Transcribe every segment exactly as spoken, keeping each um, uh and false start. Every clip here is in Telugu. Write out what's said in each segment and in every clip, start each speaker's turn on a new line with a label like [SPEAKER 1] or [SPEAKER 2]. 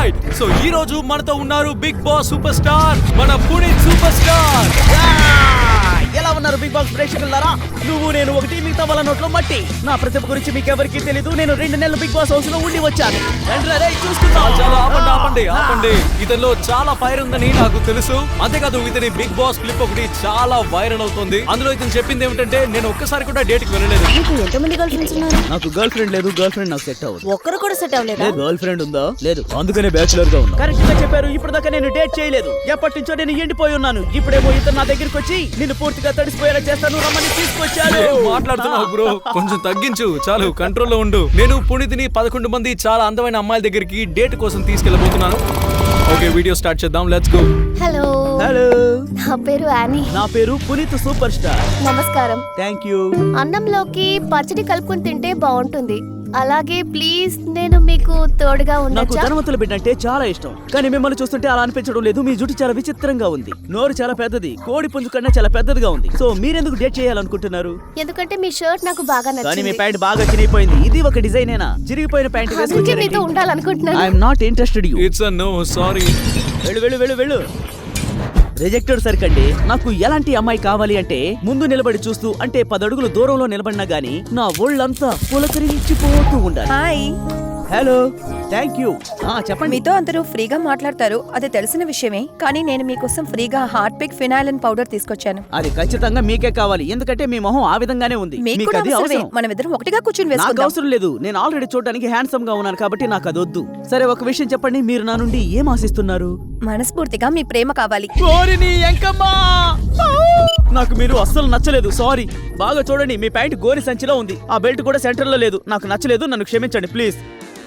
[SPEAKER 1] రైట్. సో ఈ రోజు మనతో ఉన్నారు బిగ్ బాస్ సూపర్ స్టార్ మన పునీత్ సూపర్ స్టార్.
[SPEAKER 2] ఎలా ఉన్నారు బిగ్ బాస్ ప్రేక్షకులారా? నువ్వు నేను ఒకటి, మిగతా వాళ్ళ నోట్లో మట్టి. నా ప్రతిభ గురించి మీకు ఎవరికి తెలీదు. నేను రెండు నెలలు బిగ్ బాస్ హౌస్ లో ఉండి వచ్చాను.
[SPEAKER 1] చాలా ఆపండి ఆపండి ఆపండి ఇతనిలో చాలా ఫైర్ ఉందని నాకు తెలుసు. అంతేకాదు ఇతని బిగ్ బాస్ క్లిప్ ఒకటి చాలా వైరల్ అవుతుంది. అందులో ఇతను చెప్పింది ఏమిటంటే నేను ఒక్కసారి కూడా డేట్ కి వెళ్ళలేదు.
[SPEAKER 3] నీకు ఎంతమంది గర్ల్ ఫ్రెండ్స్ ఉన్నారు?
[SPEAKER 2] నాకు గర్ల్ ఫ్రెండ్ లేదు. గర్ల్ ఫ్రెండ్ నాకు సెట్ అవ్వదు.
[SPEAKER 3] ఒక్కరు కూడా సెట్ అవ్వలేదా?
[SPEAKER 2] గర్ల్ ఫ్రెండ్ ఉందా? లేదు. అందుకనే బ్యాచులర్ గా ఉన్నా. కరెక్ట్ గా చెప్పారు. ఇప్పుడు దాకా నేను డేట్ చేయలేదు. ఎప్పటి నుంచో నేను ఎండిపోయి ఉన్నాను. ఇప్పుడేమో ఇతను నా దగ్గరికి వచ్చి నిన్ను పూర్తిగా తడిసిపోయేలా చేస్తాను రమ్మని తీసుకొచ్చాడు.
[SPEAKER 1] మాట్లాడుతున్నావు బ్రో, కొంచెం తగ్గించు. చాలు, కంట్రోల్లో ఉండు. నేను పునీతిని పదకొండు మంది చాలా అందమైన అమ్మాయిల దగ్గరికి డేట్ కోసం తీసుకెళ్ళబోతున్నాను. ఓకే, వీడియో స్టార్ట్ చేద్దాం. Let's go.
[SPEAKER 3] హలో
[SPEAKER 2] హలో,
[SPEAKER 3] నా పేరు యానీ.
[SPEAKER 2] నా పేరు పునీత్ సూపర్ స్టార్.
[SPEAKER 3] నమస్కారం.
[SPEAKER 2] Thank you.
[SPEAKER 3] అన్నంలోకి పచ్చడి కలుపుకొని తింటే బాగుంటుంది. అలాగే ప్లీజ్ నేను మీకు తోడుగా
[SPEAKER 2] నాకు
[SPEAKER 3] ఉండొచ్చా?
[SPEAKER 2] ధనవంతుల బిడ్డ అంటే చాలా ఇష్టం. కానీ మిమ్మల్ని చూస్తుంటే అలా అనిపించడం లేదు. మీ జుట్టు చాలా విచిత్రంగా ఉంది. నోరు చాలా పెద్దది. కోడి పుంజు కన్నా చాలా పెద్దదిగా ఉంది. సో మీరెందుకు డేట్ చేయాలనుకుంటున్నారు?
[SPEAKER 3] ఎందుకంటే మీ షర్ట్ నాకు బాగా
[SPEAKER 2] కానీ మీ
[SPEAKER 3] నచ్చింది.
[SPEAKER 2] ప్యాంట్ బాగా చిరిగిపోయింది. ఇది ఒక డిజైనేనా? చిరిగిపోయిన ప్యాంట్
[SPEAKER 3] అందుకే మీతో
[SPEAKER 2] వేసుకొచ్చారేంటి?
[SPEAKER 3] ఉండాలనుకుంటున్నాను.
[SPEAKER 2] I'm not interested you.
[SPEAKER 1] It's a no, sorry.
[SPEAKER 2] వెళ్ళు వెళ్ళు వెళ్ళు వెళ్ళు. రిజెక్టెడ్ సరికండి. నాకు ఎలాంటి అమ్మాయి కావాలి అంటే ముందు నిలబడి చూస్తూ, అంటే పదడుగులు దూరంలో నిలబడినా గానీ నా ఒళ్ళంతా పులకరించిపోతూ ఉండాలి.
[SPEAKER 4] Hi,
[SPEAKER 2] hello, thank you. చెప్పండి.
[SPEAKER 4] మీతో అందరూ ఫ్రీగా మాట్లాడతారు, అది తెలిసిన విషయమే. కానీ నేను మీకోసం ఫ్రీగా హార్ట్ పిక్ ఫినాయిల్ పౌడర్ తీసుకొచ్చాను.
[SPEAKER 2] అది ఖచ్చితంగా మీకే కావాలి. ఎందుకంటే మీ మొహం ఆ విధంగానే ఉంది.
[SPEAKER 4] మీకు
[SPEAKER 2] మీకు
[SPEAKER 4] కూడా
[SPEAKER 2] అది
[SPEAKER 4] అవసరమే.
[SPEAKER 2] అవసరం.
[SPEAKER 4] మనం ఇద్దరం ఒకటిగా కూర్చుని
[SPEAKER 2] నాకు
[SPEAKER 4] వేసుకుందాం.
[SPEAKER 2] అవసరం లేదు. నేను ఆల్రెడీ చూడడానికి హ్యాండ్సమ్ గా ఉన్నాను కాబట్టి నాకు అది వద్దు. సరే, ఒక విషయం చెప్పండి. మీరు నా నుండి ఏం ఆశిస్తున్నారు?
[SPEAKER 4] మనస్ఫూర్తిగా మీ ప్రేమ కావాలి.
[SPEAKER 2] కోరిని ఎంకమ్మా, నాకు మీరు అస్సలు నచ్చలేదు. సారీ. బాగా చూడండి, మీ ప్యాంట్ గోరి సంచిలో ఉంది. ఆ బెల్ట్ కూడా సెంటర్ లో లేదు. నాకు నచ్చలేదు. నన్ను క్షమించండి ప్లీజ్.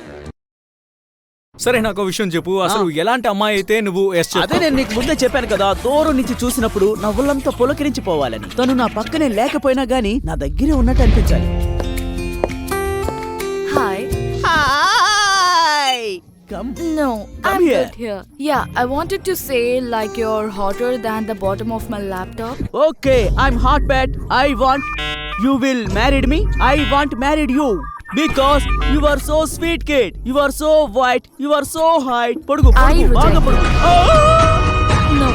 [SPEAKER 1] సరే, నాకు విషయం చెప్పు. అసలు ఎలాంటి అమ్మాయి అయితే నువ్వు ఎస్
[SPEAKER 2] అదే నేను నీకు ముందే చెప్పాను కదా, దూరం నుంచి చూసినప్పుడు నా ఒళ్ళంతా పులకరించిపోవాలని. తను నా పక్కనే లేకపోయినా గానీ నా దగ్గరే ఉన్నట్టు అనిపించాలి.
[SPEAKER 5] Hi.
[SPEAKER 2] Hi, come
[SPEAKER 5] No,
[SPEAKER 2] Come
[SPEAKER 5] I'm
[SPEAKER 2] here.
[SPEAKER 5] good here. Yeah, I wanted to say like you're hotter than the bottom of my laptop.
[SPEAKER 2] Okay, I'm hot bat. I want you will married me. I want married you because you are so sweet kid. You are so white. You are so height. పొడుగు
[SPEAKER 5] I
[SPEAKER 2] పొడుగు, బాగా
[SPEAKER 5] reject.
[SPEAKER 2] పొడుగు.
[SPEAKER 5] No.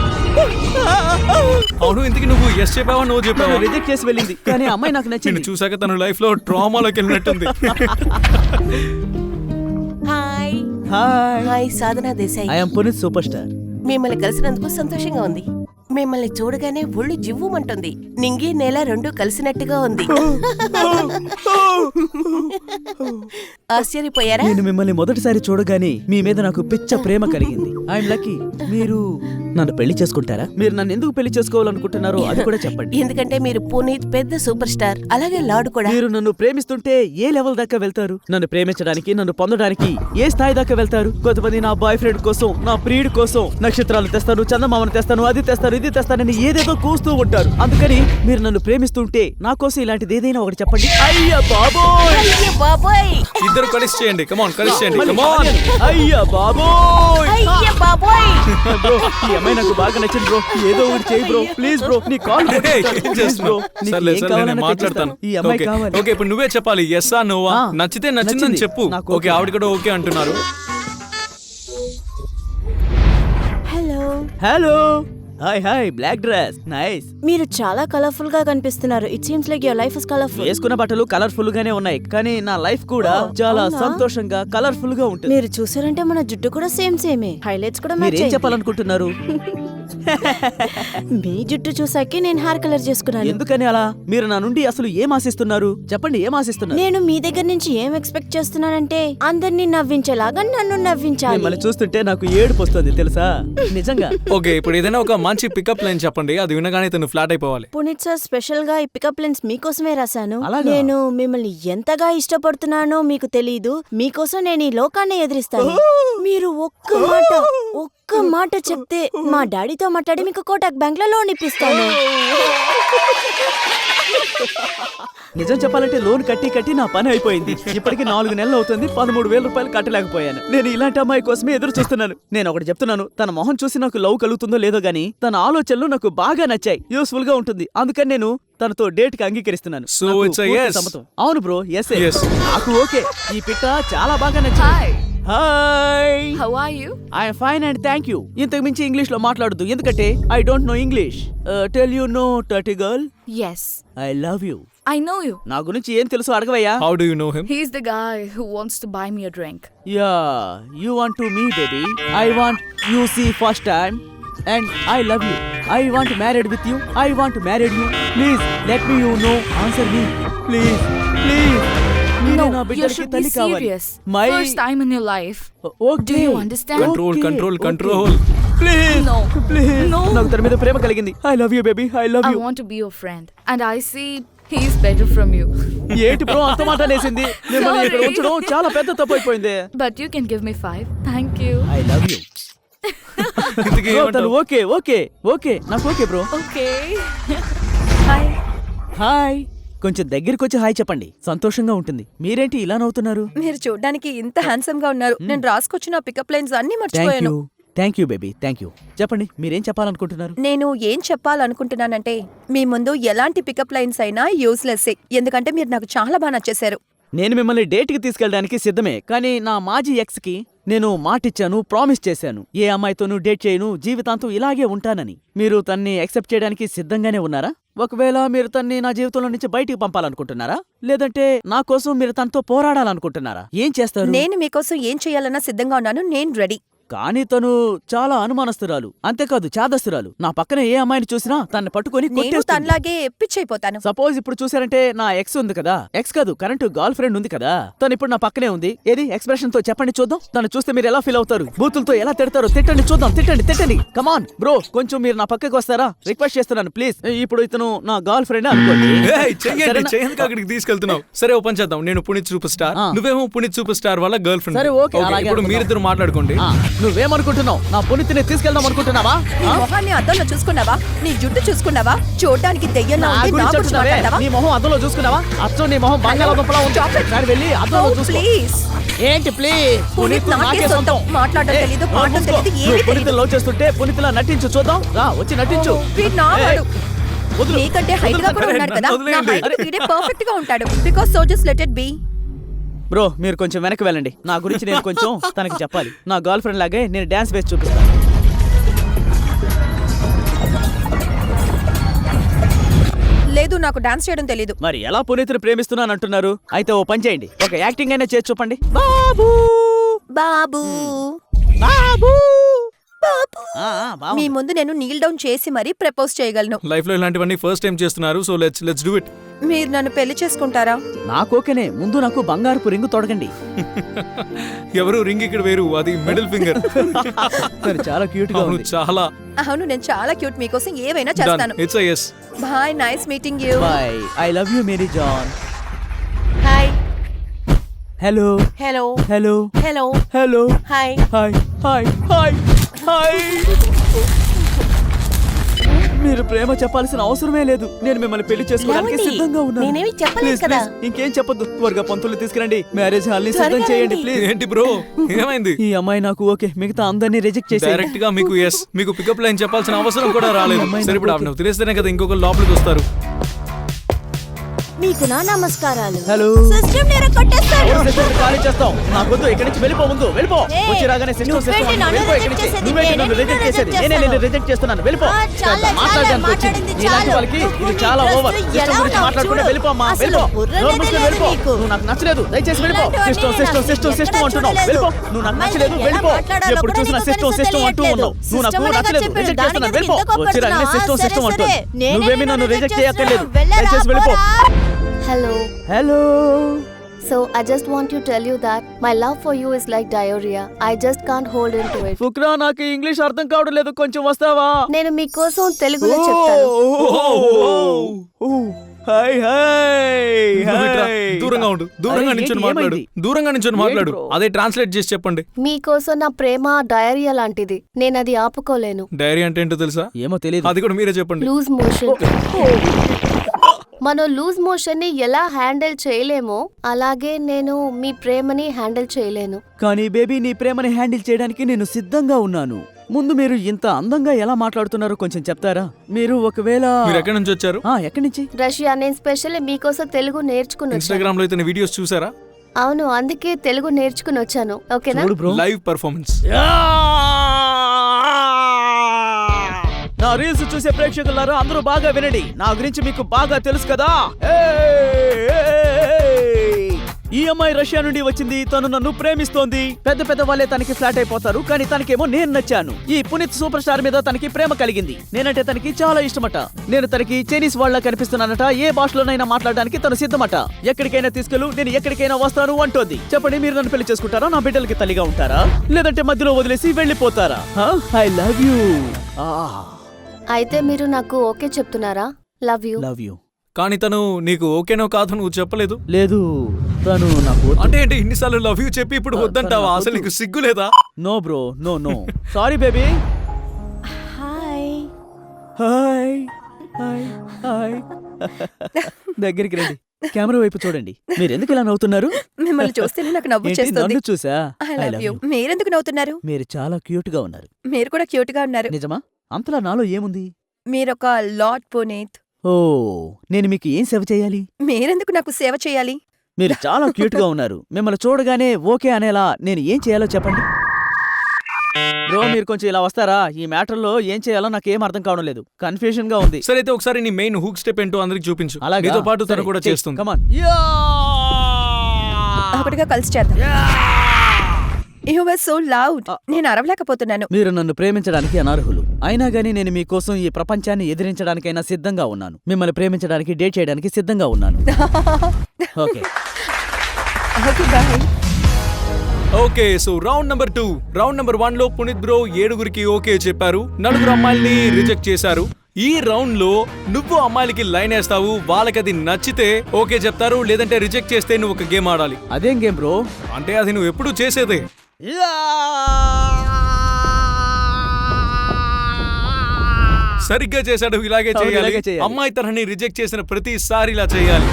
[SPEAKER 1] అవును, ఇంతకి నువ్వు ఎస్ చెప్పావా నువ్వు చెప్పావా?
[SPEAKER 2] రిజెక్ట్ చేసి వెళ్ళింది. కానీ ఆ అమ్మాయి నాకు
[SPEAKER 1] నిన్ను
[SPEAKER 2] నచ్చింది.
[SPEAKER 1] చూసాక తన లైఫ్ లో ట్రామాలోకి వెళ్ళినట్టుంది.
[SPEAKER 6] Hi
[SPEAKER 2] hi,
[SPEAKER 6] hi Sadhana Desai.
[SPEAKER 2] I am Puneeth super star.
[SPEAKER 6] మిమ్మల్ని కలిసినందుకు సంతోషంగా ఉంది. మిమ్మల్ని చూడగానే ఒళ్ళు జివ్వుమంటుంది. నింగి నేల రెండు కలిసినట్టుగా ఉంది. ఆశ్చర్యపోయారా?
[SPEAKER 2] నేను మిమ్మల్ని మొదటిసారి చూడగానే మీ మీద నాకు పిచ్చ ప్రేమ కలిగింది. I'm lucky. మీరు నన్ను పెళ్లి చేసుకుంటారా? మీరు నన్ను ఎందుకు పెళ్లి చేసుకోవాలనుకుంటున్నారో అది కూడా చెప్పండి.
[SPEAKER 6] ఎందుకంటే మీరు పునీత్ పెద్ద సూపర్ స్టార్, అలాగే లార్డ్ కూడా.
[SPEAKER 2] మీరు నన్ను ప్రేమిస్తుంటే ఏ లెవెల్ దాకా వెళ్తారు? నన్ను ప్రేమించడానికి, నన్ను పొందడానికి ఏ స్థాయి దాకా వెళ్తారు? కొంతమంది నా బాయ్ ఫ్రెండ్ కోసం, నా ప్రియుడి కోసం నక్షత్రాలు తెస్తాను, చందమామను తెస్తాను, అది తెస్తాను, ఇది తెస్తానని ఏదేదో కూస్తూ ఉంటారు. అందుకని మీరు నన్ను ప్రేమిస్తుంటే నా కోసం ఇలాంటిది ఏదైనా ఒకటి చెప్పండి. అయ్యా బాబోయ్,
[SPEAKER 6] అయ్యో బాబోయ్,
[SPEAKER 1] ఇద్దరు కలిసి చేయండి. కమాన్, కలిసి చేయండి. కమాన్.
[SPEAKER 2] అయ్యా బాబోయ్.
[SPEAKER 6] అయ్యో బాబోయ్.
[SPEAKER 2] బ్రో, ఈ అమ్మాయి నాకు బాగా నచ్చింది బ్రో. ఏదో ఒకటి చేయి బ్రో, ప్లీజ్ బ్రో. నీ కాల్
[SPEAKER 1] Hey, ఏం చేస్తున్నావు? సర్లే సర్లే, నేను మాట్లాడతాను.
[SPEAKER 2] ఈ అమ్మాయి
[SPEAKER 1] ఓకే,
[SPEAKER 2] కావాలి.
[SPEAKER 1] ఓకే, ఇప్పుడు నువ్వే చెప్పాలి. ఎస్ ఆ నోవా?
[SPEAKER 2] ఆ,
[SPEAKER 1] నచ్చితే నచ్చిందని
[SPEAKER 2] నచ్చింది.
[SPEAKER 1] చెప్పు.
[SPEAKER 2] నాకు
[SPEAKER 1] ఓకే, ఆవిడ కూడా ఓకే అంటున్నారు.
[SPEAKER 3] Hello.
[SPEAKER 2] Hello, hi hi. Black dress nice.
[SPEAKER 3] మీరు చాలా కలర్ఫుల్ గా కనిపిస్తున్నారు. It seems like your life is colourful.
[SPEAKER 2] వేసుకున్న బట్టలు కలర్ఫుల్ గానే ఉన్నాయి, కానీ నా లైఫ్ కూడా చాలా
[SPEAKER 3] అవునా?
[SPEAKER 2] సంతోషంగా కలర్ఫుల్ గా ఉంటుంది.
[SPEAKER 3] మీరు చూసారంటే మన జుట్టు కూడా సేమ్ సేమే. హైలైట్స్ కూడా మ్యాచ్
[SPEAKER 2] మీరేం
[SPEAKER 3] అయ్యింది.
[SPEAKER 2] చెప్పాలనుకుంటున్నారు?
[SPEAKER 3] మీ జుట్టు చూసాకే నేను హెయిర్ కలర్ చేసుకున్నాను.
[SPEAKER 2] ఎందుకని అలా? మీరు నా నుండి అసలు ఏం ఆశిస్తున్నారు? చెప్పండి, ఏం ఆశిస్తున్నారు?
[SPEAKER 3] నేను మీ దగ్గర నుంచి ఏం ఎక్స్పెక్ట్ చేస్తున్నానంటే అందరినీ నవ్వించేలాగా నన్ను నవ్వించాలి.
[SPEAKER 2] మిమ్మల్ని చూస్తుంటే నాకు ఏడుపు వస్తుంది తెలుసా, నిజంగా.
[SPEAKER 1] ఓకే, ఇప్పుడు ఏదైనా ఒక మంచి పికప్ లైన్ చెప్పండి. అది వినగానే తను ఫ్లాట్ అయిపోవాలి.
[SPEAKER 3] పునీత్ సార్ స్పెషల్ గా ఈ పికప్ లైన్స్ మీకోసమే రాశాను.
[SPEAKER 2] అలాగా?
[SPEAKER 3] నేను మిమ్మల్ని ఎంతగా ఇష్టపడుతున్నానో మీకు తెలీదు. మీకోసం నేను ఈ లోకాన్ని ఎదిరిస్తాను. మీరు ఒక్క మాట ఒక్క మాట చెప్తే మా డాడీతో మాట్లాడి మీకు కోటక్ బ్యాంక్ లో లోన్ ఇప్పిస్తాను.
[SPEAKER 2] నిజం చెప్పాలంటే లోన్ కట్టి కట్టి నా పని అయిపోయింది. ఇప్పటికి నాలుగు నెలలు అవుతుంది. పదమూడు వేల రూపాయలు కట్టలేకపోయాను. నేను ఇలాంటి అమ్మాయి కోసమే ఎదురు చూస్తున్నాను. నేను ఒకటి చెప్తున్నాను, తన మొహం చూసి నాకు లవ్ కలుగుతుందో లేదో గానీ తన ఆలోచనలు నాకు బాగా నచ్చాయి. యూస్ఫుల్ గా ఉంటుంది. అందుకని నేను తనతో డేట్ కి అంగీకరిస్తున్నాను.
[SPEAKER 1] So
[SPEAKER 2] నాకు
[SPEAKER 1] it's a
[SPEAKER 2] పూర్తి
[SPEAKER 1] yes.
[SPEAKER 2] సమ్మతం. అవును బ్రో, ఎస్
[SPEAKER 1] Yes.
[SPEAKER 2] నాకు ఓకే. ఈ పిట్ట చాలా బాగా నచ్చింది. Hi
[SPEAKER 5] how are you?
[SPEAKER 2] I'm fine and thank you. ఇంతకు మించి ఇంగ్లీష్ లో మాట్లాడదు, ఎందుకంటే I don't know English. Tell you know dirty girl,
[SPEAKER 5] Yes,
[SPEAKER 2] I love you.
[SPEAKER 5] I know you.
[SPEAKER 2] నా గురించి ఏం తెలుసు అడగవయ్యా?
[SPEAKER 1] How do you know him?
[SPEAKER 5] He's the guy who wants to buy me a drink.
[SPEAKER 2] Yeah you want to me baby, I want you see first time and I love you. I want married with you, I want married you. Please let me you know, answer me please please.
[SPEAKER 5] No, you should be serious.
[SPEAKER 2] My
[SPEAKER 5] First time in your life.
[SPEAKER 2] Okay,
[SPEAKER 5] Do you understand?
[SPEAKER 1] Control control control.
[SPEAKER 2] Please
[SPEAKER 5] No.
[SPEAKER 2] Please.
[SPEAKER 5] No.
[SPEAKER 2] నాకు తన మీద ప్రేమ కలిగింది. I love you baby, I love
[SPEAKER 5] I
[SPEAKER 2] you.
[SPEAKER 5] want to be your friend. And I see he's better from you.
[SPEAKER 2] ఏంటి బ్రో అంత మాట అనేసింది? మిమ్మల్ని ఇక్కడ
[SPEAKER 5] Sorry.
[SPEAKER 2] ఉంచడం చాలా పెద్ద తప్పు అయిపోయింది.
[SPEAKER 5] But you can give me five. Thank you.
[SPEAKER 2] I love you.
[SPEAKER 1] ఇంతకీ
[SPEAKER 2] తను
[SPEAKER 1] ఏమంటావు?
[SPEAKER 2] ఓకే ఓకే ఓకే నాకు okay bro.
[SPEAKER 5] Okay.
[SPEAKER 4] Hi.
[SPEAKER 2] Hi. కొంచెం దగ్గరికి వచ్చి హాయ్ చెప్పండి, సంతోషంగా ఉంటుంది. మీరేంటి ఇలా నవ్వుతున్నారు?
[SPEAKER 4] మీరు చూడడానికి ఇంత హ్యాండ్సమ్ గా ఉన్నారు. నేను రాసుకొచ్చిన పికప్ లైన్స్ అన్ని
[SPEAKER 2] థ్యాంక్
[SPEAKER 4] మర్చిపోయాను.
[SPEAKER 2] You thank you baby, thank you. చెప్పండి మీరేం చెప్పాలనుకుంటున్నారు?
[SPEAKER 4] నేను ఏం చెప్పాలనుకుంటున్నానంటే మీ ముందు ఎలాంటి పికప్ లైన్స్ అయినా యూస్లెస్, ఎందుకంటే మీరు నాకు చాలా బాగా నచ్చేశారు.
[SPEAKER 2] నేను మిమ్మల్ని డేట్కి తీసుకెళ్ళడానికి సిద్ధమే, కానీ నా మాజీ ఎక్స్కి నేను మాటిచ్చాను, ప్రామిస్ చేశాను. ఏ అమ్మాయితోనూ డేట్ చేయను, జీవితాంతం ఇలాగే ఉంటానని. మీరు తన్ని యాక్సెప్ట్ చేయడానికి సిద్ధంగానే ఉన్నారా? ఒకవేళ మీరు తన్ని నా జీవితంలో నుంచి బయటికి పంపాలనుకుంటున్నారా, లేదంటే నా కోసం మీరు తనతో పోరాడాలనుకుంటున్నారా? ఏం చేస్తారు?
[SPEAKER 4] నేను మీకోసం ఏం చేయాలన్నా సిద్ధంగా ఉన్నాను. నేను రెడీ.
[SPEAKER 2] కానీ తను చాలా అనుమానస్తురాలు, అంతేకాదు చాదస్తురాలు. నా పక్కన ఏ అమ్మాయిని చూసినా తన్ని పట్టుకొని
[SPEAKER 4] నేను
[SPEAKER 2] కొట్టేస్తుంది.
[SPEAKER 4] తనలాగే పిచ్చైపోతాను.
[SPEAKER 2] సపోజ్ ఇప్పుడు చూసారంటే నా ఎక్స్ ఉంది కదా, ఎక్స్ కాదు కరెంట్ గర్ల్ ఫ్రెండ్ ఉంది కదా, తను ఇప్పుడు నా పక్కనే ఉంది. ఏది ఎక్స్ప్రెషన్ తో చెప్పండి చూద్దాం. తను చూస్తే మీరు ఎలా ఫీల్ అవుతారు? బూతులతో ఎలా తిడతారో తిట్టండి చూద్దాం. తిట్టండి తిట్టండి, కమాన్ బ్రో, కొంచెం మీరు నా పక్కకి వస్తారా? రిక్వెస్ట్ చేస్తున్నాను ప్లీజ్. ఇప్పుడు ఇతను నా గర్ల్ ఫ్రెండ్ అనుకోండి.
[SPEAKER 1] ఏయ్, చెయ్యండి
[SPEAKER 2] సరేనా?
[SPEAKER 1] చెయ్యండి, అక్కడికి తీసుకెళ్తున్నావు. సరే ఓపెన్ చేద్దాం. నేను పునీత్ సూపర్ స్టార్,
[SPEAKER 2] ఆ.
[SPEAKER 1] నువ్వేమో పునీత్ సూపర్ స్టార్ వాళ్ళ గర్ల్ ఫ్రెండ్.
[SPEAKER 2] సరే, ఓకే, అలాగే
[SPEAKER 1] ఇప్పుడు
[SPEAKER 2] అనుకుందాం.
[SPEAKER 1] మీరిద్దరు మాట్లాడుకోండి.
[SPEAKER 2] ఆ, నువ్వేమనుకుంటున్నావు? నా పునితిని తీసుకెళ్దాం అనుకుంటున్నావా?
[SPEAKER 4] నీ
[SPEAKER 2] ఆ?
[SPEAKER 4] మొహాన్ని అద్దంలో చూసుకున్నావా? నీ జుట్టు చూసుకున్నావా? చూడడానికి దెయ్యంలా
[SPEAKER 2] నా
[SPEAKER 4] ఉంది. నా
[SPEAKER 2] గురించి
[SPEAKER 4] గురించి
[SPEAKER 2] చెప్తున్నావే,
[SPEAKER 4] మాట్లాడతావా?
[SPEAKER 2] నీ మొహం అద్దంలో చూసుకున్నావా? అచ్చం నీ మొహం బంగాళాదుంపలా ఉంది. ఒకసారి వెళ్ళి అద్దంలో చూసుకో.
[SPEAKER 4] ప్లీజ్.
[SPEAKER 2] ఏంటి ప్లీజ్?
[SPEAKER 4] పునీత్ నాకే సొంతం. మాట్లాడడం
[SPEAKER 2] ఏ,
[SPEAKER 4] తెలీదు,
[SPEAKER 2] నోరు
[SPEAKER 4] పాడడం
[SPEAKER 2] మూసుకో.
[SPEAKER 4] తెలీదు, ఏమీ
[SPEAKER 2] నువ్వు పునీత్ని
[SPEAKER 4] తెలీదు.
[SPEAKER 2] లవ్ చేస్తుంటే పునీత్లా నటించు చూద్దాం. రా వచ్చి నటించు.
[SPEAKER 4] వీడు నా
[SPEAKER 2] ఏ,
[SPEAKER 4] వాడు.
[SPEAKER 2] వదులు.
[SPEAKER 4] నీకంటే హైట్ గా కూడా
[SPEAKER 1] వదలండి,
[SPEAKER 4] ఉన్నాడు కదా. నా
[SPEAKER 1] వదిలేయండి.
[SPEAKER 4] హైట్ వీడే పర్ఫెక్ట్ గా ఉంటాడు. Because so just let it be.
[SPEAKER 2] Bro మీరు కొంచెం వెనక్కి వెళ్ళండి. నా గురించి నేను కొంచెం తనకి చెప్పాలి. నా గర్ల్ ఫ్రెండ్ లాగే నేను డాన్స్ వేసి చూపిస్తాను.
[SPEAKER 4] లేదు, నాకు డాన్స్ చేయడం తెలీదు.
[SPEAKER 2] మరి ఎలా పునీతిని ప్రేమిస్తున్నాను అంటున్నారు? అయితే ఓ పని చేయండి, ఒక యాక్టింగ్ అయినా చేసి చూపండి. బాబు
[SPEAKER 4] బాబు
[SPEAKER 2] బాబు
[SPEAKER 4] బాబు.
[SPEAKER 2] ఆ, ఆ, బాగుంది.
[SPEAKER 4] మీ ముందు నేను నీల్ డౌన్ చేసి మరీ ప్రపోజ్ చేయగలను.
[SPEAKER 1] లైఫ్ లో ఇలాంటివన్నీ ఫస్ట్ టైం చేస్తున్నారు. So let's let's do it.
[SPEAKER 4] మీరు నన్ను పెళ్లి చేసుకుంటారా?
[SPEAKER 2] నాకు ఓకేనే, ముందు నాకు బంగారుపు రింగు తొడగండి.
[SPEAKER 1] ఎవరు రింగ్ ఇక్కడ వేరు, అది మిడిల్ ఫింగర్.
[SPEAKER 2] తను చాలా క్యూట్ గా
[SPEAKER 1] అవును
[SPEAKER 2] ఉంది.
[SPEAKER 1] చాలా.
[SPEAKER 4] అవును, నేను చాలా క్యూట్. మీకోసం ఏవైనా చేస్తాను.
[SPEAKER 1] It's a yes.
[SPEAKER 4] Bye, nice meeting you.
[SPEAKER 2] Bye, I love you మేరీ జాన్.
[SPEAKER 6] Hi.
[SPEAKER 2] Hello
[SPEAKER 6] hello.
[SPEAKER 2] Hello
[SPEAKER 6] hello.
[SPEAKER 2] Hello
[SPEAKER 6] hi.
[SPEAKER 2] Hi hi hi hi. మీరు ప్రేమ చెప్పాల్సిన అవసరమే లేదు. నేను మిమ్మల్ని పెళ్లి చేసుకోవడానికి
[SPEAKER 6] ఏమండి?
[SPEAKER 2] సిద్ధంగా ఉన్నాను.
[SPEAKER 6] నేనేమీ చెప్పలేదు
[SPEAKER 2] Please,
[SPEAKER 6] కదా.
[SPEAKER 2] please, ఇంకేం చెప్పొద్దు. త్వరగా పంతులు తీసుకురండి. మ్యారేజ్ హాల్ ని సిద్ధం
[SPEAKER 6] త్వరగా
[SPEAKER 2] చేయండి
[SPEAKER 6] రండి.
[SPEAKER 2] ప్లీజ్.
[SPEAKER 1] ఏంటి బ్రో, ఏమైంది?
[SPEAKER 2] ఈ అమ్మాయి నాకు ఓకే, మిగతా అందరినీ రిజెక్ట్ చేసి
[SPEAKER 1] డైరెక్ట్ గా మీకు ఎస్, మీకు పికప్ లైన్ చెప్పాల్సిన అవసరం కూడా రాలేదు.
[SPEAKER 2] అమ్మాయి
[SPEAKER 1] సరే ఇప్పుడు
[SPEAKER 2] నాకు
[SPEAKER 1] ఆవిడ తెలిస్తేనే కదా ఇంకొకరు లోపలికి వస్తారు.
[SPEAKER 3] మీకు నా నమస్కారాలు.
[SPEAKER 2] హలో.
[SPEAKER 3] సిస్టమ్ నేర కొట్టేస్తాడు.
[SPEAKER 2] ఖాళీ చేస్తాం. నాకొద్దు, ఇక్కడి నుంచి వెళ్ళిపో. ముందు వెళ్ళిపో.
[SPEAKER 3] ఏయ్,
[SPEAKER 2] వచ్చి రాగానే సిస్టమ్
[SPEAKER 3] నువ్వేంటి
[SPEAKER 2] సిస్టమ్
[SPEAKER 3] నన్ను
[SPEAKER 2] వెళ్ళిపో. ఇక్కడి
[SPEAKER 3] reject
[SPEAKER 2] నుంచి
[SPEAKER 3] చేసేది?
[SPEAKER 2] నువ్వేంటి నన్ను
[SPEAKER 3] నేనే
[SPEAKER 2] రిజెక్ట్
[SPEAKER 3] నిన్ను
[SPEAKER 2] చేసేది?
[SPEAKER 3] reject
[SPEAKER 2] నేనే నిన్ను
[SPEAKER 3] చేస్తాను.
[SPEAKER 2] రిజెక్ట్ చేస్తున్నాను. వెళ్ళిపో.
[SPEAKER 3] ఆ, చాలే,
[SPEAKER 2] మాట్లాడడానికి
[SPEAKER 3] చాలే,
[SPEAKER 2] వచ్చింది.
[SPEAKER 3] మాట్లాడింది
[SPEAKER 2] ఇలాంటి
[SPEAKER 3] చాలు.
[SPEAKER 2] వాళ్ళకి ఇది
[SPEAKER 3] నువ్వు
[SPEAKER 2] చాలా
[SPEAKER 3] నీ
[SPEAKER 2] ఓవర్.
[SPEAKER 3] డ్రెస్
[SPEAKER 2] సిస్టమ్
[SPEAKER 3] ఎలా
[SPEAKER 2] గురించి
[SPEAKER 3] ఉన్నావు
[SPEAKER 2] మాట్లాడుకుంటే
[SPEAKER 3] చూడు.
[SPEAKER 2] వెళ్ళిపో అమ్మా.
[SPEAKER 3] అసలు
[SPEAKER 2] వెళ్ళిపో.
[SPEAKER 3] బుర్ర
[SPEAKER 2] నోరు మూసుకొని
[SPEAKER 3] లేదే
[SPEAKER 2] వెళ్ళిపో.
[SPEAKER 3] నీకు.
[SPEAKER 2] నువ్వు నాకు నచ్చలేదు, దయచేసి వెళ్ళిపో.
[SPEAKER 3] ఇలాంటి వాడిని
[SPEAKER 2] సిస్టమ్
[SPEAKER 3] నేను
[SPEAKER 2] సిస్టమ్
[SPEAKER 3] అసలు
[SPEAKER 2] సిస్టమ్
[SPEAKER 3] ఎక్కడా
[SPEAKER 2] సిస్టమ్ అంటున్నావు.
[SPEAKER 3] చూడలేదు.
[SPEAKER 2] వెళ్ళిపో. నువ్వు నాకు
[SPEAKER 3] అమ్మాయిని
[SPEAKER 2] నచ్చలేదు,
[SPEAKER 3] ఎలా
[SPEAKER 2] వెళ్ళిపో.
[SPEAKER 3] మాట్లాడాలో
[SPEAKER 2] ఎప్పుడు
[SPEAKER 3] కూడా
[SPEAKER 2] చూసినా
[SPEAKER 3] నీకు
[SPEAKER 2] సిస్టమ్
[SPEAKER 3] కనీసం
[SPEAKER 2] సిస్టమ్ అంటూ
[SPEAKER 3] తెలియట్లేదు.
[SPEAKER 2] ఉన్నావు. నువ్వు నాకు
[SPEAKER 3] సిస్టమ్
[SPEAKER 2] నచ్చలేదు,
[SPEAKER 3] చెప్పాడు,
[SPEAKER 2] రిజెక్ట్
[SPEAKER 3] దానికి
[SPEAKER 2] చేస్తున్నాను.
[SPEAKER 3] ఎందుకు
[SPEAKER 2] వెళ్ళిపో. వచ్చి రాగానే
[SPEAKER 3] కోపడుతున్నావు?
[SPEAKER 2] సిస్టమ్
[SPEAKER 3] సరే,
[SPEAKER 2] సిస్టమ్
[SPEAKER 3] సరే.
[SPEAKER 2] అంటావు.
[SPEAKER 3] నేనే
[SPEAKER 2] నువ్వేమీ
[SPEAKER 3] నిన్ను
[SPEAKER 2] నన్ను
[SPEAKER 3] reject
[SPEAKER 2] రిజెక్ట్ చేయక్కర్లేదు.
[SPEAKER 3] చేస్తున్నాను. వెళ్ళరా,
[SPEAKER 2] దయచేసి వెళ్ళిపో.
[SPEAKER 3] పోరా.
[SPEAKER 7] Hello.
[SPEAKER 2] Hello.
[SPEAKER 7] So I just want to tell you that my love for you is like diarrhea. I just can't hold into it.
[SPEAKER 2] ఫుక్రా, నాకు ఇంగ్లీష్ అర్థం కావడం లేదు, కొంచెం వస్తావా?
[SPEAKER 7] నేను మీకోసం తెలుగులో చెప్తాను.
[SPEAKER 2] హాయ్ హాయ్
[SPEAKER 1] నువ్వు ఇట్రా,
[SPEAKER 2] హాయ్.
[SPEAKER 1] దూరంగా ఉండు. దూరంగా
[SPEAKER 2] అరే,
[SPEAKER 1] నించొని
[SPEAKER 2] ఏంటి,
[SPEAKER 1] మాట్లాడు.
[SPEAKER 2] ఏమైంది?
[SPEAKER 1] దూరంగా నించొని మాట్లాడు.
[SPEAKER 2] bro?
[SPEAKER 1] అదే ట్రాన్స్లేట్ చేసి చెప్పండి.
[SPEAKER 7] మీకోసం నా ప్రేమ డయేరియా లాంటిది. నేను అది ఆపుకోలేను.
[SPEAKER 1] డైరీ అంటే ఏంటో తెలుసా?
[SPEAKER 2] ఏమో తెలియదు.
[SPEAKER 1] అది కూడా మీరే చెప్పండి.
[SPEAKER 7] Loose motion. మనం లూజ్ మోషన్ ని ఎలా హ్యాండిల్ చేయలేమో అలాగే నేను మీ ప్రేమని హ్యాండిల్ చేయలేను.
[SPEAKER 2] కానీ బేబీ, నీ ప్రేమని హ్యాండిల్ చేయడానికి నేను సిద్ధంగా ఉన్నాను. ముందు మీరు ఇంత అందంగా ఎలా మాట్లాడుతున్నారో కొంచెం చెప్తారా? మీరు ఒకవేళ
[SPEAKER 1] మీరు ఎక్కడి నుంచి వచ్చారు?
[SPEAKER 2] ఆ, ఎక్కడి నుంచి?
[SPEAKER 7] రష్యా. నేను స్పెషల్ మీకోసం తెలుగు నేర్చుకుని వచ్చాను.
[SPEAKER 1] ఇన్స్టాగ్రామ్ లో అయితే వీడియోస్ చూసారా?
[SPEAKER 7] అవును అందుకే తెలుగు నేర్చుకుని వచ్చాను ఓకేనా
[SPEAKER 2] చూడు బ్రో
[SPEAKER 1] లైవ్ పర్ఫార్మెన్స్.
[SPEAKER 2] నా రీల్స్ చూసే ప్రేక్షకులారా అందరూ బాగా వినండి. నా గురించి మీకు బాగా తెలుసు కదా. ఏయ్, ఏయ్, ఈ అమ్మాయి రష్యా నుండి వచ్చింది. తను నన్ను ప్రేమిస్తోంది. పెద్ద పెద్ద వాళ్ళే తనకి ఫ్లాట్ అయిపోతారు, కానీ తనకేమో నేను నచ్చాను. ఈ పునీత్ సూపర్ స్టార్ మీద తనకి ప్రేమ కలిగింది. నేనంటే తనకి చాలా ఇష్టమట. నేను తనకి చైనీస్ వాళ్ళ కనిపిస్తున్నానట. ఏ భాషలోనైనా మాట్లాడడానికి తను సిద్ధమట. ఎక్కడికైనా తీసుకెళ్ళు, నేను ఎక్కడికైనా వస్తాను అంటోంది. చెప్పండి, మీరు నన్ను పెళ్లి చేసుకుంటారా? నా బిడ్డలకి తల్లిగా ఉంటారా, లేదంటే మధ్యలో వదిలేసి వెళ్ళిపోతారా? I love you.
[SPEAKER 7] అయితే మీరు నాకు ఓకే చెప్తున్నారా? Love you.
[SPEAKER 2] Love you.
[SPEAKER 1] కానీ తను నీకు ఓకేనో కాదు నువ్వు చెప్పలేదు.
[SPEAKER 2] లేదు, తను నాకు వద్దు.
[SPEAKER 1] అంటే ఏంటి ఇన్నిసార్లు లవ్ యూ చెప్పి ఇప్పుడు వద్దంటావా? అసలు నీకు సిగ్గు లేదా?
[SPEAKER 2] No bro, no no. Sorry baby.
[SPEAKER 3] Hi.
[SPEAKER 2] Hi hi hi. దగ్గరికి రండి, కెమెరా వైపు చూడండి. మీరు ఎందుకు ఇలా నవ్వుతున్నారు?
[SPEAKER 4] మిమ్మల్ని చూస్తేనే నాకు నవ్వు
[SPEAKER 2] ఏంటి,
[SPEAKER 4] చేస్తుంది.
[SPEAKER 2] నన్ను చూసా?
[SPEAKER 4] I
[SPEAKER 2] I
[SPEAKER 4] love
[SPEAKER 2] love
[SPEAKER 4] you.
[SPEAKER 2] you.
[SPEAKER 4] మీరెందుకు నవ్వుతున్నారు?
[SPEAKER 2] మీరు చాలా క్యూట్ గా ఉన్నారు.
[SPEAKER 4] మీరు కూడా క్యూట్ గా ఉన్నారు.
[SPEAKER 2] నిజమా? అంతలా నాలో ఏముంది?
[SPEAKER 4] మీరొక లార్డ్ పునీత్.
[SPEAKER 2] ఓ, నేను మీకు ఏం సేవ చేయాలి?
[SPEAKER 4] మీరెందుకు నాకు సేవ చేయాలి?
[SPEAKER 2] మీరు చాలా క్యూట్ గా ఉన్నారు. మిమ్మల్ని చూడగానే ఓకే అనేలా నేను ఏం చేయాలో చెప్పండి. బ్రో, మీరు కొంచెం ఇలా వస్తారా? ఈ మ్యాటర్లో ఏం చేయాలో నాకు ఏం అర్థం కావడం లేదు. కన్ఫ్యూజన్ గా ఉంది.
[SPEAKER 1] సరే అయితే ఒకసారి నీ మెయిన్ హుక్ స్టెప్ ఏంటో అందరికి చూపించు.
[SPEAKER 2] అలాగా?
[SPEAKER 1] నీతో పాటు తను
[SPEAKER 2] సరే,
[SPEAKER 1] కూడా
[SPEAKER 2] చెయ్.
[SPEAKER 1] చేస్తుంది.
[SPEAKER 2] Come on.
[SPEAKER 4] ఒకటిగా కలిసి చేద్దాం. You were so loud. నేను అరవలేకపోతున్నాను.
[SPEAKER 2] మీరు నన్ను ప్రేమించడానికి అనర్హులు. అయినా గానీ నేను మీకోసం ఈ ప్రపంచాన్ని ఎదిరించడానికైనా సిద్ధంగా ఉన్నాను. మిమ్మల్ని ప్రేమించడానికి, డేట్ చేయడానికి సిద్ధంగా ఉన్నాను. Okay.
[SPEAKER 4] Okay bye.
[SPEAKER 1] Okay, so round number two. Round number one లో పునీత్ బ్రో ఏడుగురికి ఓకే చెప్పారు, నలుగురు అమ్మాయిల్ని రిజెక్ట్ చేశారు. ఈ రౌండ్ లో నువ్వు అమ్మాయిలకి లైన్ వేస్తావు, వాళ్ళకి అది నచ్చితే ఓకే చెప్తారు, లేదంటే రిజెక్ట్ చేస్తే నువ్వు ఒక గేమ్ ఆడాలి.
[SPEAKER 2] అదేం గేమ్ బ్రో?
[SPEAKER 1] అంటే అది నువ్వు ఎప్పుడు చేసేదే. సరిగ్గా చేశాడు, ఇలాగే
[SPEAKER 2] అవును,
[SPEAKER 1] చేయాలి.
[SPEAKER 2] ఇలాగే చేయాలి.
[SPEAKER 1] అమ్మాయి తనని రిజెక్ట్ చేసిన ప్రతిసారి ఇలా చేయాలి.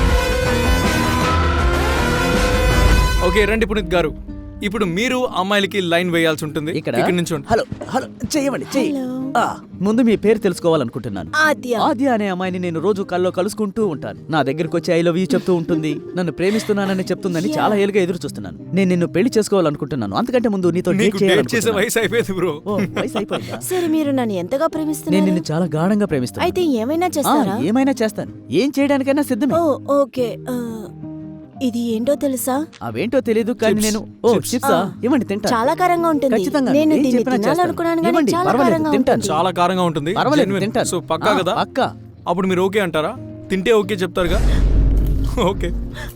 [SPEAKER 1] ఓకే రండి పునీత్ గారు, ఇప్పుడు మీరు అమ్మాయిలకి లైన్ వేయాల్సి ఉంటుంది.
[SPEAKER 2] ఇక్కడ
[SPEAKER 1] ఇక్కడ నుంచి
[SPEAKER 2] హలో హలో చెయ్యమండి, చెయ్యి. ఆ, ముందు మీ పేరు తెలుసుకోవాలనుకుంటున్నాను.
[SPEAKER 3] ఆద్య.
[SPEAKER 2] ఆద్య అనే అమ్మాయిని నేను రోజు కల్లో కలుసుకుంటూ ఉంటాను. నా దగ్గరికి వచ్చి ఐ లవ్ యూ చెప్తూ ఉంటుంది. నన్ను ప్రేమిస్తున్నానని చెప్తుందని చాలా ఏళ్ళుగా ఎదురు చూస్తున్నాను. నేను నిన్ను పెళ్లి చేసుకోవాలనుకుంటున్నాను. అంతకంటే ముందు నీతో డేట్
[SPEAKER 1] నీకు డేట్ చేసే
[SPEAKER 2] చేయాలనుకుంటున్నాను.
[SPEAKER 1] వయసు అయిపోయింది బ్రో.
[SPEAKER 2] ఓ, వయసు అయిపోయిందా?
[SPEAKER 3] సరే, మీరు నన్ను ఎంతగా
[SPEAKER 2] నేను
[SPEAKER 3] ప్రేమిస్తున్నారు?
[SPEAKER 2] నిన్ను చాలా గాఢంగా ప్రేమిస్తాను.
[SPEAKER 3] అయితే ఏమైనా
[SPEAKER 2] ఆ,
[SPEAKER 3] చేస్తారా?
[SPEAKER 2] ఏమైనా చేస్తాను. ఏం చేయడానికైనా సిద్ధమే.
[SPEAKER 3] Oh okay. ఆ, ఇది ఏంటో తెలుసా?
[SPEAKER 2] అవేంటో తెలియదు, కానీ
[SPEAKER 1] Chips.
[SPEAKER 2] నేను ఓ
[SPEAKER 1] Chips.
[SPEAKER 2] చిప్సా ఇవ్వండి, తింటా.
[SPEAKER 3] చాలా కారంగా ఉంటుంది.
[SPEAKER 2] ఖచ్చితంగా.
[SPEAKER 3] నేను
[SPEAKER 2] ఏం
[SPEAKER 3] దీన్ని
[SPEAKER 2] చెప్పినా చేస్తాను.
[SPEAKER 3] తినాలనుకున్నాను కానీ
[SPEAKER 2] ఇవ్వండి,
[SPEAKER 3] చాలా
[SPEAKER 2] పర్వాలేదు,
[SPEAKER 3] కారంగా
[SPEAKER 2] తింటాను.
[SPEAKER 3] ఉంటుంది.
[SPEAKER 1] చాలా కారంగా ఉంటుంది.
[SPEAKER 2] పర్వాలేదు,
[SPEAKER 1] Genuine.
[SPEAKER 2] తింటాను.
[SPEAKER 1] సో పక్కా
[SPEAKER 2] ఆ,
[SPEAKER 1] కదా?
[SPEAKER 2] పక్కా.
[SPEAKER 1] అప్పుడు మీరు ఓకే అంటారా? తింటే ఓకే చెప్తారుగా? ఓకే.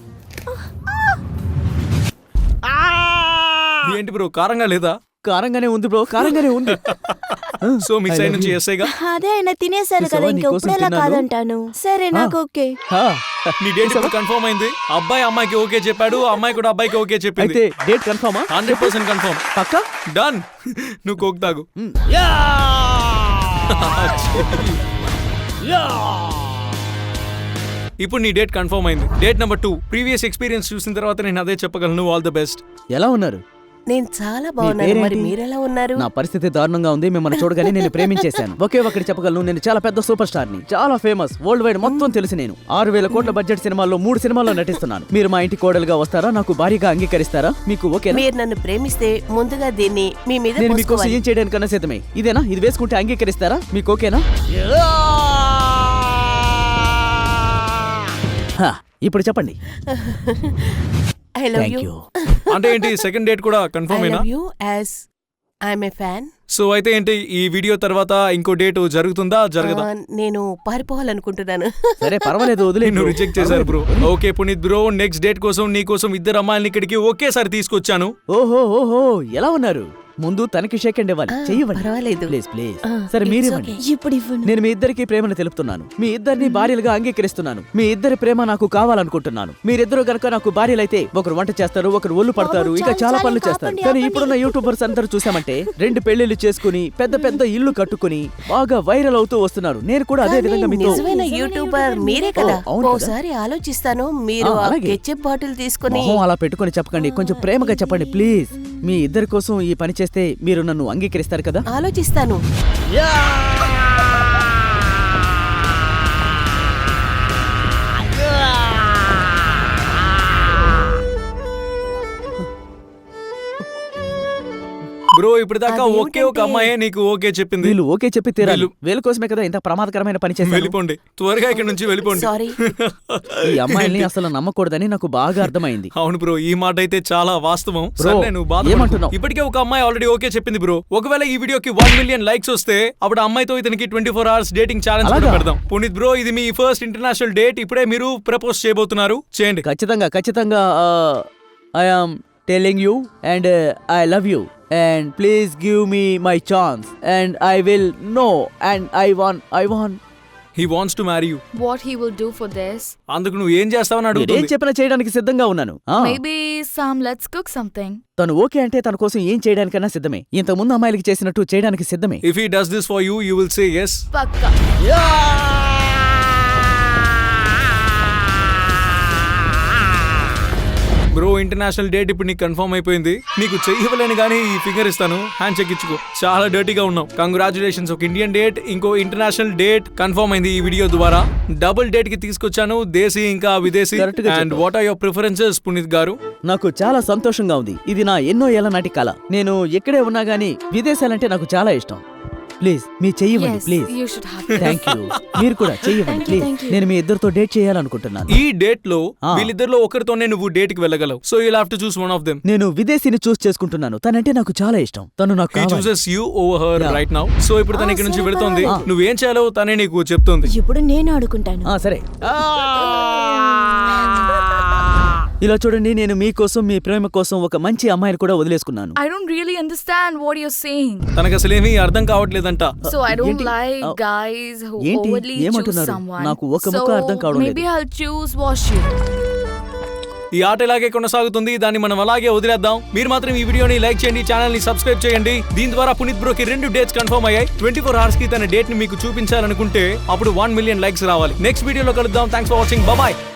[SPEAKER 1] ఏంటి బ్రో కారంగా లేదా?
[SPEAKER 2] కారంగానే ఉంది బ్రో, కారంగానే ఉంది.
[SPEAKER 1] సో మీ సైడ్ నుంచి ఎస్ఐగా
[SPEAKER 3] అదే ఆయన తినేశారు
[SPEAKER 2] చూసావా,
[SPEAKER 3] కదా, ఇంకా
[SPEAKER 2] నీకోసం
[SPEAKER 3] ఇప్పుడు ఎలా
[SPEAKER 2] తిన్నాను.
[SPEAKER 3] కాదంటాను. సరే, నాకు ఓకే.
[SPEAKER 2] ఆ,
[SPEAKER 1] నీ డేట్ ఇప్పుడు కన్ఫర్మ్ అయింది. అబ్బాయి అమ్మాయికి ఓకే చెప్పాడు, అమ్మాయి కూడా అబ్బాయికి ఓకే చెప్పింది.
[SPEAKER 2] అయితే డేట్ కన్ఫర్మా?
[SPEAKER 1] Hundred percent confirm.
[SPEAKER 2] పక్కా?
[SPEAKER 1] డన్. నువ్వు కోక్ తాగు.
[SPEAKER 2] మ్. యా! యా!
[SPEAKER 1] ఇప్పుడు నీ డేట్ కన్ఫర్మ్ అయింది. Date number two. Previous experience చూసిన తర్వాత నేను అదే చెప్పగలను. All the best.
[SPEAKER 2] ఎలా ఉన్నారు?
[SPEAKER 6] నేను చాలా బాగున్నాను.
[SPEAKER 2] పేరేంటి?
[SPEAKER 6] మరి మీరెలా ఉన్నారు?
[SPEAKER 2] నా పరిస్థితి దారుణంగా ఉంది. మిమ్మల్ని చూడగానే నేను ప్రేమించేశాను. ఒకే ఒకటి చెప్పగలను, నేను చాలా పెద్ద సూపర్ స్టార్ ని, చాలా ఫేమస్, వరల్డ్ వైడ్ మొత్తం తెలుసు. నేను ఆరు వేల కోట్ల బడ్జెట్ సినిమాల్లో మూడు సినిమాల్లో నటిస్తున్నాను. మీరు మా ఇంటి కోడలుగా వస్తారా? నాకు భారీగా అంగీకరిస్తారా? మీకు ఓకే?
[SPEAKER 6] మీరు నన్ను ప్రేమిస్తే ముందుగా దీన్ని మీ మీద
[SPEAKER 2] నేను మీకోసం
[SPEAKER 6] పోసుకోవాలి.
[SPEAKER 2] ఏం చేయడానికన్నా సిద్ధమే. ఇదేనా? ఇది వేసుకుంటే అంగీకరిస్తారా? మీకు ఓకేనా? హా, ఇప్పుడు చెప్పండి.
[SPEAKER 6] I love
[SPEAKER 2] thank
[SPEAKER 6] you.
[SPEAKER 2] You.
[SPEAKER 1] అంటే ఏంటి సెకండ్ డేట్ కూడా
[SPEAKER 6] I
[SPEAKER 1] కన్ఫర్మ్ అయినా?
[SPEAKER 6] love you as I'm a fan.
[SPEAKER 1] So అయితే ఏంటి ఈ వీడియో తర్వాత ఇంకో డేట్ జరుగుతుందా జరగదా?
[SPEAKER 6] ఆ, నేను పారిపోవాలనుకుంటున్నాను.
[SPEAKER 2] సరే పర్వాలేదు, వదిలే.
[SPEAKER 1] నిన్ను రిజెక్ట్ చేశారు bro. Okay Puneeth bro, next date కోసం నీ కోసం ఇద్దరు అమ్మాయిల్ని ఇక్కడికి ఒకేసారి తీసుకొచ్చాను.
[SPEAKER 2] ఓహో ఓహో, ఎలా ఉన్నారు? ముందు తనకి షేక్ అండ్ ఇవ్వాలి.
[SPEAKER 6] ఆ,
[SPEAKER 2] చెయ్యవండి
[SPEAKER 6] పర్వాలేదు.
[SPEAKER 2] Please please.
[SPEAKER 6] ఆ,
[SPEAKER 2] సరే
[SPEAKER 6] it's
[SPEAKER 2] మీరివ్వండి.
[SPEAKER 6] okay.
[SPEAKER 3] ఇప్పుడు ఇవ్వను.
[SPEAKER 2] నేను మీ ఇద్దరికి ప్రేమను తెలుపుతున్నాను. మీ ఇద్దరిని భార్యలుగా అంగీకరిస్తున్నాను. మీ ఇద్దరి ప్రేమ నాకు కావాలనుకుంటున్నాను. మీరిద్దరు గనక నాకు భార్యలైతే ఒకరు వంట చేస్తారు, ఒకరు ఒళ్ళు పడతారు,
[SPEAKER 3] బాబు,
[SPEAKER 2] ఇంకా
[SPEAKER 3] చాలు,
[SPEAKER 2] చాలా
[SPEAKER 3] చాలు,
[SPEAKER 2] పనులు చేస్తారు.
[SPEAKER 3] ఆపండి,
[SPEAKER 2] కానీ
[SPEAKER 3] ఆపండి.
[SPEAKER 2] ఇప్పుడున్న యూట్యూబర్స్ అందరూ చూసామంటే రెండు పెళ్లిళ్ళు చేసుకుని పెద్ద పెద్ద ఇల్లు కట్టుకుని బాగా వైరల్ అవుతూ వస్తున్నారు. నేను కూడా అదే
[SPEAKER 6] కానీ
[SPEAKER 2] విధంగా మీతో
[SPEAKER 6] నిజమైన యూట్యూబర్ మీరే కదా.
[SPEAKER 2] ఓ, అవును కదా.
[SPEAKER 6] ఓసారి ఆలోచిస్తాను. మీరు
[SPEAKER 2] ఆ,
[SPEAKER 6] ఆ
[SPEAKER 2] అలాగే.
[SPEAKER 6] కెచప్ బాటిల్ తీసుకుని
[SPEAKER 2] మొహం అలా పెట్టుకొని చెప్పకండి, కొంచెం ప్రేమగా చెప్పండి ప్లీజ్. మీ ఇద్దరి కోసం ఈ పని చేస్తే మీరు నన్ను అంగీకరిస్తారు కదా?
[SPEAKER 6] ఆలోచిస్తాను.
[SPEAKER 1] బ్రో ఇప్పుడు దాకా ఒకే ఒక
[SPEAKER 6] అదేమిటంటే-
[SPEAKER 1] అమ్మాయే నీకు ఓకే చెప్పింది.
[SPEAKER 2] వీళ్ళు ఓకే చెప్పి తీరాలి.
[SPEAKER 1] వీళ్ళు-
[SPEAKER 2] వీళ్ళ కోసమే కదా ఇంత ప్రమాదకరమైన పని చేశాను.
[SPEAKER 1] వెళ్ళిపోండి, త్వరగా ఇక్కడ నుంచి వెళ్ళిపోండి.
[SPEAKER 6] సారీ.
[SPEAKER 2] ఈ అమ్మాయిల్ని అసలు నమ్మకూడదని నాకు బాగా అర్థమైంది.
[SPEAKER 1] అవును బ్రో, ఈ మాట అయితే చాలా వాస్తవం.
[SPEAKER 2] బ్రో,
[SPEAKER 1] సర్లే, నువ్వు బాధపడకు.
[SPEAKER 2] ఏమంటున్నావు?
[SPEAKER 1] ఇప్పటికే ఒక అమ్మాయి ఆల్రెడీ ఓకే చెప్పింది బ్రో. ఒకవేళ ఈ వీడియోకి వన్ మిలియన్ లైక్స్ వస్తే అప్పుడు ఆ అమ్మాయితో ఇతనికి twenty four hours dating challenge
[SPEAKER 2] అలాగా?
[SPEAKER 1] పెడదాం. పునీత్ బ్రో, ఇది మీ ఫస్ట్ ఇంటర్నేషనల్ డేట్. ఇప్పుడే మీరు ప్రపోజ్ చేయబోతున్నారు, చేయండి.
[SPEAKER 2] ఖచ్చితంగా ఖచ్చితంగా I am telling you and I love you and please give me my chance and I will know and I want I want
[SPEAKER 1] he wants to marry you.
[SPEAKER 5] What he will do for this?
[SPEAKER 1] అందుకు నువ్వు ఏం చేస్తావని
[SPEAKER 2] ఏం
[SPEAKER 1] అడుగుతుంది.
[SPEAKER 2] చెప్పినా చేయడానికి సిద్ధంగా ఉన్నాను. ఆ,
[SPEAKER 5] Maybe some let's cook something.
[SPEAKER 2] తను ఓకే అంటే తన కోసం ఏం చేయడానికైనా సిద్ధమే. ఇంత ముందు అమ్మాయిలకి చేసినట్టు చేయడానికి సిద్ధమే.
[SPEAKER 1] If he does this for you, you will say yes.
[SPEAKER 5] Pakka.
[SPEAKER 1] Bro, international date ఇప్పుడు నీకు కన్ఫర్మ్ అయిపోయింది. నీకు చెయ్యవలేని కానీ ఈ ఫింగర్ ఇస్తాను, హ్యాండ్ చెక్ ఇచ్చుకో. చాలా డర్టీగా ఉన్నావు. కంగ్రాచులేషన్స్, ఒక ఇండియన్ డేట్ ఇంకో ఇంటర్నేషనల్ డేట్ కన్ఫర్మ్ అయింది ఈ వీడియో ద్వారా. డబుల్ డేట్ కి తీసుకొచ్చాను, దేశీ ఇంకా విదేశీ.
[SPEAKER 2] Correct గా
[SPEAKER 1] అండ్
[SPEAKER 2] చెప్పావు.
[SPEAKER 1] What are your preferences Puneeth garu?
[SPEAKER 2] నాకు చాలా సంతోషంగా ఉంది. ఇది నా ఎన్నో ఏళ్ల నాటి కల. నేను ఎక్కడే ఉన్నా గానీ విదేశాలంటే నాకు చాలా ఇష్టం. ప్లీజ్ మీ చెయ్యవండి,
[SPEAKER 5] Yes,
[SPEAKER 2] please.
[SPEAKER 5] you should have.
[SPEAKER 2] Thank you. మీరు కూడా చెయ్యవండి,
[SPEAKER 3] Thank you,
[SPEAKER 2] please.
[SPEAKER 3] thank you.
[SPEAKER 2] నేను మీ ఇద్దరితో డేట్ చేయాలనుకుంటున్నాను.
[SPEAKER 1] ఈ డేట్ లో
[SPEAKER 2] ఆ.
[SPEAKER 1] వీళ్ళిద్దరిలో ఒకరితోనే నువ్వు డేట్ కి వెళ్ళగలవు. So you have to choose one of them.
[SPEAKER 2] నేను విదేశీని చూస్ చేసుకుంటున్నాను. తనంటే నాకు చాలా ఇష్టం. తను నాకు
[SPEAKER 1] హీ
[SPEAKER 2] కావాలి.
[SPEAKER 1] Chooses you over her
[SPEAKER 2] Yeah.
[SPEAKER 1] Right now. So ఇప్పుడు తన
[SPEAKER 3] Ah,
[SPEAKER 1] ఇక్కడ నుంచి
[SPEAKER 3] super.
[SPEAKER 1] వెళుతోంది.
[SPEAKER 2] Ah.
[SPEAKER 1] నువ్వేం చేయాలో తనే నీకు చెప్తుంది.
[SPEAKER 3] ఇప్పుడు నేను ఆడుకుంటాను.
[SPEAKER 2] ఆ, సరే. ఇలా చూడండి, నేను మీకోసం మీ ప్రేమ కోసం ఒక మంచి అమ్మాయిని కూడా వదిలేసుకున్నాను.
[SPEAKER 5] I don't really understand what you're saying.
[SPEAKER 1] తనకు అసలేమీ అర్థం కావట్లేదంట.
[SPEAKER 5] So I don't
[SPEAKER 2] ఏంటి?
[SPEAKER 5] like
[SPEAKER 2] ఆ,
[SPEAKER 5] guys who
[SPEAKER 2] ఏంటి?
[SPEAKER 5] overly choose
[SPEAKER 2] ఏమంటున్నారు?
[SPEAKER 5] someone.
[SPEAKER 2] నాకు ఒక్క ముక్క
[SPEAKER 5] So
[SPEAKER 2] అర్థం కావడం
[SPEAKER 5] maybe
[SPEAKER 2] లేదు.
[SPEAKER 5] I'll choose wash you.
[SPEAKER 1] ఈ ఆట ఇలాగే కొనసాగుతుంది, దాన్ని మనం అలాగే వదిలేద్దాం. మీరు మాత్రం ఈ వీడియోని లైక్ చేయండి, ఛానల్ ని సబ్స్క్రైబ్ చేయండి. దీని ద్వారా పునీత్ బ్రోకి రెండు డేట్స్ కన్ఫర్మ్ అయ్యాయి. ట్వంటీ ఫోర్ అవర్స్ కి తన డేట్ ని మీకు చూపించాలనుకుంటే అప్పుడు వన్ మిలియన్ లైక్స్ రావాలి. నెక్స్ట్ వీడియోలో కలుద్దాం. Thanks for watching. బాయ్.